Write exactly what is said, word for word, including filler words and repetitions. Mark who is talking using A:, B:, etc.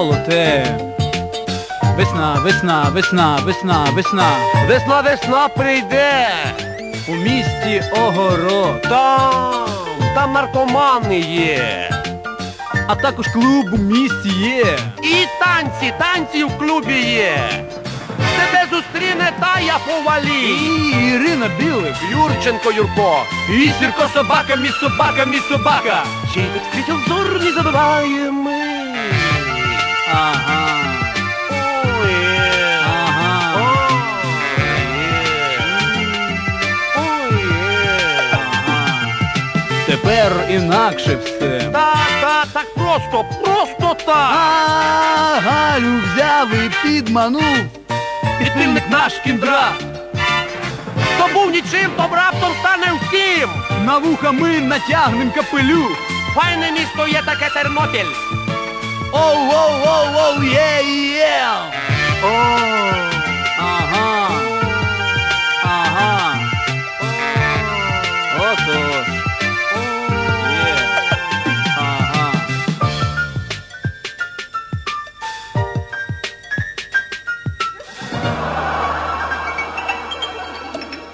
A: золоте. Весна, весна, весна, весна, весна.
B: Весна, весна прийде.
A: У місті Огород.
B: Там, там наркомани є.
A: А також клуб у місті є.
B: І танці, танці в клубі є. Тебе зустріне Тая Повалі.
A: І Ірина Білик.
B: Юрченко Юрко.
A: І Сірко собака, мій собака, мій собака.
B: Чий тут світів зор не забуваємо.
A: Ага.
B: Ой,
A: Ага.
B: ой,
A: Ага. Тепер інакше все.
B: Так, так, так просто, просто так.
A: А Галю взяв і підманув. Підпільник наш кіндра.
B: Хто був нічим, то раптом стане всім.
A: На вуха ми натягнем капелюх.
B: Файне місто є таке Тернопіль.
A: Оу, оу, оу, оу, є, є.
B: О,